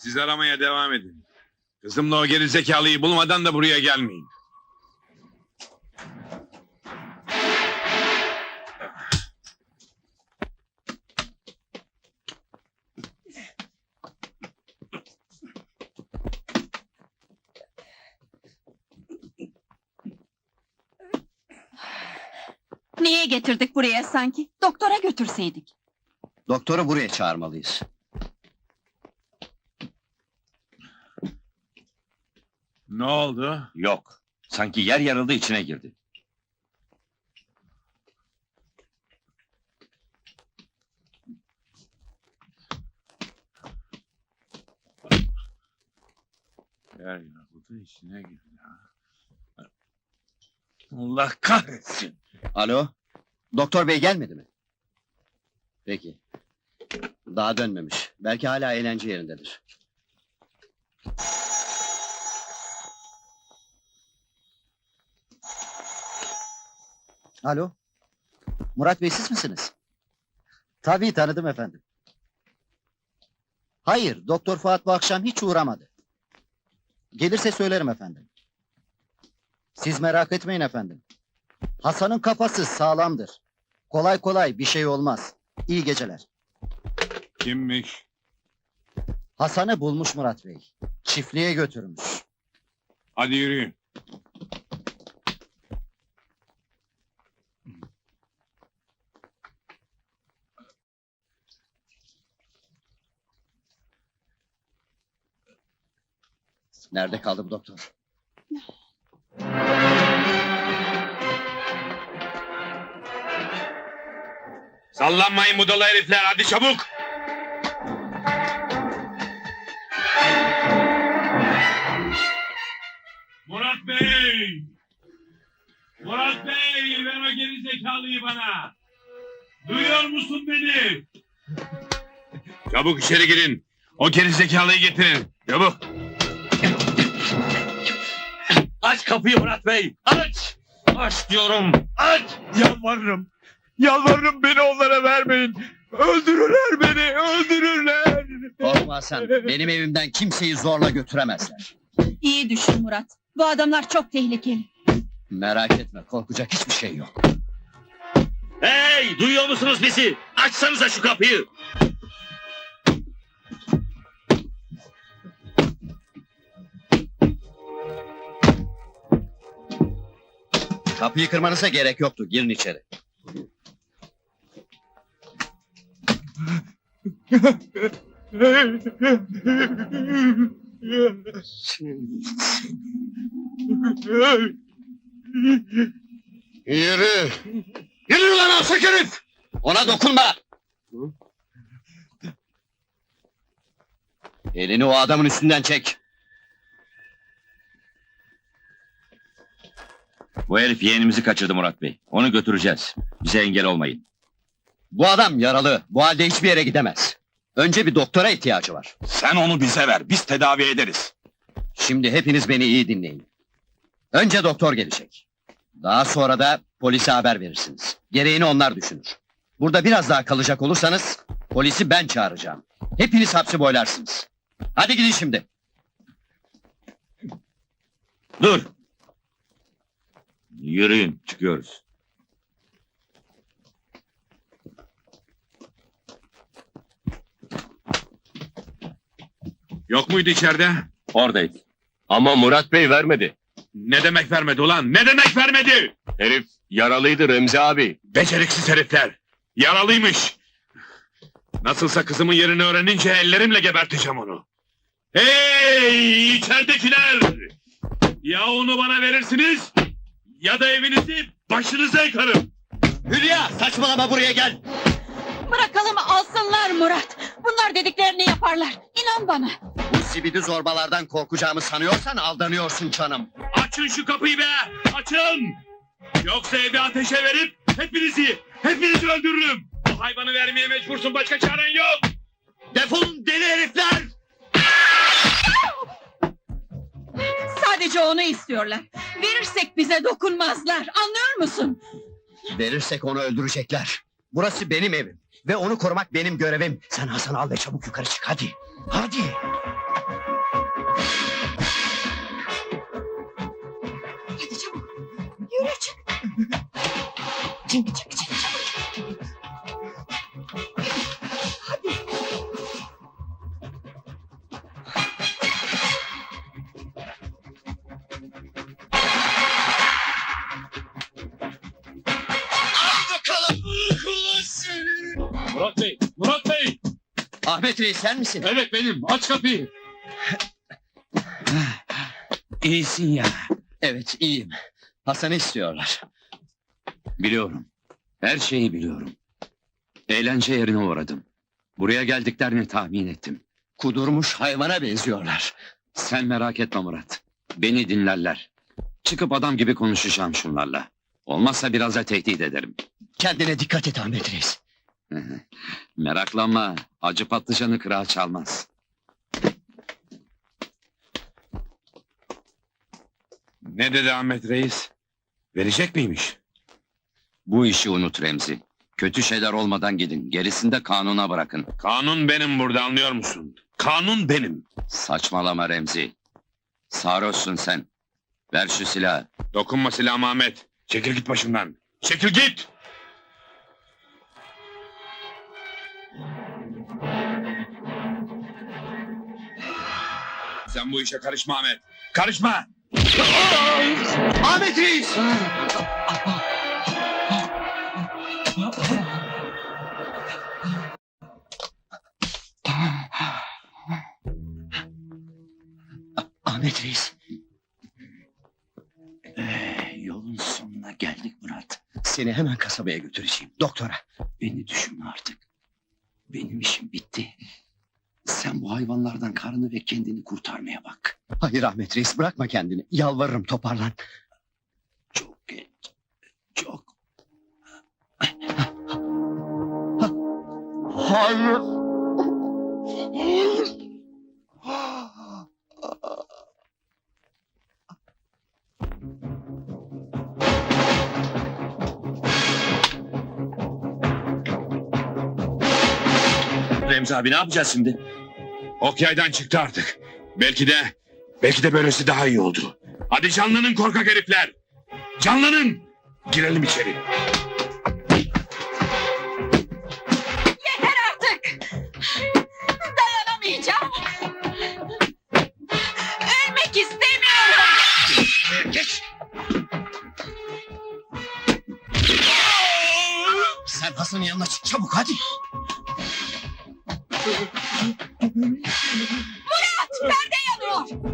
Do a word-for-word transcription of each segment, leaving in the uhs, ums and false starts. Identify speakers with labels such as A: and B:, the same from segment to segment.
A: Siz aramaya devam edin. Kızımla o gerizekalıyı bulmadan da buraya gelmeyin.
B: Niye getirdik buraya sanki? Doktora götürseydik.
C: Doktoru buraya çağırmalıyız.
A: Ne oldu?
D: Yok. Sanki yer yarıldı, içine girdi.
A: Yer yarıldı, içine girdi ha. Allah kahretsin!
C: Alo? Doktor bey gelmedi mi? Peki. Daha dönmemiş. Belki hala eğlence yerindedir. Alo? Murat Bey siz misiniz? Tabii tanıdım efendim. Hayır, Doktor Fuat bu akşam hiç uğramadı. Gelirse söylerim efendim. Siz merak etmeyin efendim. Hasan'ın kafası sağlamdır. Kolay kolay bir şey olmaz. İyi geceler.
A: Kimmiş?
C: Hasan'ı bulmuş Murat Bey. Çiftliğe götürmüş.
A: Hadi yürüyün.
C: Nerede kaldı bu doktor?
A: Sallanmayın budala herifler, hadi çabuk! Murat Bey! Murat Bey, ver o gerizekalıyı bana! Duyuyor musun beni? Çabuk içeri girin! O gerizekalıyı getirin, çabuk!
D: Aç kapıyı Murat Bey! Aç! Aç diyorum! Aç!
A: Yalvarırım! Yalvarırım, beni onlara vermeyin! Öldürürler beni, öldürürler!
C: Korkma Hasan, benim evimden kimseyi zorla götüremezler.
B: İyi düşün Murat. Bu adamlar çok tehlikeli.
C: Merak etme, korkacak hiçbir şey yok.
D: Hey! Duyuyor musunuz bizi? Açsanıza şu kapıyı!
C: Kapıyı kırmanıza gerek yoktu, girin içeri.
D: Yürü! Yürü lan alçak herif!
C: Ona dokunma! Elini o adamın üstünden çek.
D: Bu herif yeğenimizi kaçırdı Murat Bey. Onu götüreceğiz. Bize engel olmayın.
C: Bu adam yaralı, bu halde hiçbir yere gidemez. Önce bir doktora ihtiyacı var.
D: Sen onu bize ver, biz tedavi ederiz.
C: Şimdi hepiniz beni iyi dinleyin. Önce doktor gelecek. Daha sonra da polise haber verirsiniz. Gereğini onlar düşünür. Burada biraz daha kalacak olursanız polisi ben çağıracağım. Hepiniz hapsi boylarsınız. Hadi gidin şimdi.
D: Dur! Yürüyün, çıkıyoruz.
A: Yok muydu içeride?
D: Oradayız. Ama Murat Bey vermedi.
A: Ne demek vermedi ulan? Ne demek vermedi?
D: Herif yaralıydı Remzi abi.
A: Beceriksiz herifler! Yaralıymış! Nasılsa kızımın yerini öğrenince ellerimle geberteceğim onu. Hey içeridekiler! Ya onu bana verirsiniz, ya da evinizi başınıza yıkarım!
C: Hülya, saçmalama, buraya gel.
B: Bırakalım alsınlar Murat. Bunlar dediklerini yaparlar. İnan bana.
C: Bu sibidi zorbalardan korkacağımı sanıyorsan aldanıyorsun canım.
A: Açın şu kapıyı be! Açın! Yoksa evi ateşe verip hepinizi, hepinizi öldürürüm! Bu hayvanı vermeye mecbursun, başka çaren yok!
C: Defolun deli herifler!
B: Sadece onu istiyorlar. Verirsek bize dokunmazlar. Anlıyor musun?
C: Verirsek onu öldürecekler. Burası benim evim ve onu korumak benim görevim. Sen Hasan'ı al ve çabuk yukarı çık, hadi. Hadi.
B: Çek çek çek.
A: Murat Bey, Murat Bey!
C: Ahmet Reis sen misin?
A: Evet benim, aç kapıyı!
D: İyisin ya.
C: Evet iyiyim. Hasan'ı istiyorlar.
D: Biliyorum. Her şeyi biliyorum. Eğlence yerine uğradım. Buraya geldiklerini tahmin ettim.
C: Kudurmuş hayvana benziyorlar.
D: Sen merak etme Murat. Beni dinlerler. Çıkıp adam gibi konuşacağım şunlarla. Olmazsa biraz da tehdit ederim.
C: Kendine dikkat et Ahmet Reis.
D: Meraklanma. Acı patlıcanı kırağı çalmaz.
A: Ne dedi Ahmet Reis? Verecek miymiş?
D: Bu işi unut Remzi. Kötü şeyler olmadan gidin. Gerisini de kanuna bırakın.
A: Kanun benim burada, anlıyor musun? Kanun benim.
D: Saçmalama Remzi. Sarhoşsun sen. Ver şu silahı.
A: Dokunma silahıma Ahmet. Çekil git başımdan. Çekil git! Sen bu işe karışma Ahmet. Karışma!
C: Ahmet Reis! Ahmet Reis,
D: Yolun sonuna geldik Murat.
C: seni hemen kasabaya götüreceğim. Doktora.
D: Beni düşünme artık. Benim işim bitti. Sen bu hayvanlardan karını ve kendini kurtarmaya bak.
C: Hayır Ahmet Reis, bırakma kendini. Yalvarırım, toparlan.
D: Çok geç. Çok.
C: Hayır.
A: Remzi abi ne yapacağız şimdi? Ok yaydan çıktı artık. Belki de, belki de böylesi daha iyi oldu. Hadi canlanın korkak herifler. Canlanın. Girelim içeri.
B: Yeter artık. Dayanamayacağım. Ölmek istemiyorum.
C: Geç. Sen Hasan'ın yanına çık çabuk hadi.
B: Murat, perde yanıyor.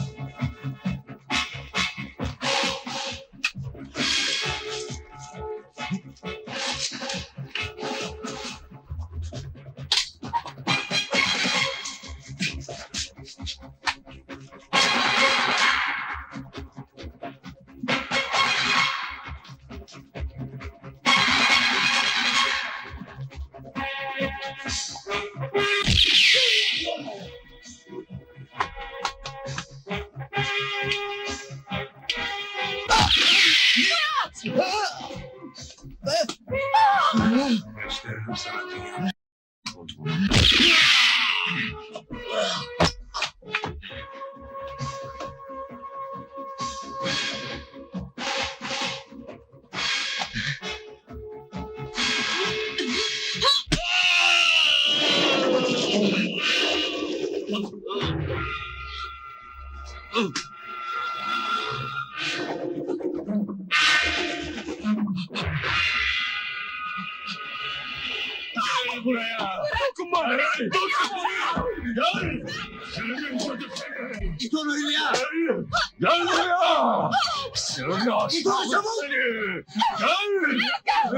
A: Gösteririm sana dünya. Gel buraya. Dokunma. Dokunma. Gel.
C: Git onu öyle ya.
A: Gel buraya. Seni aşağılık seni. Gel.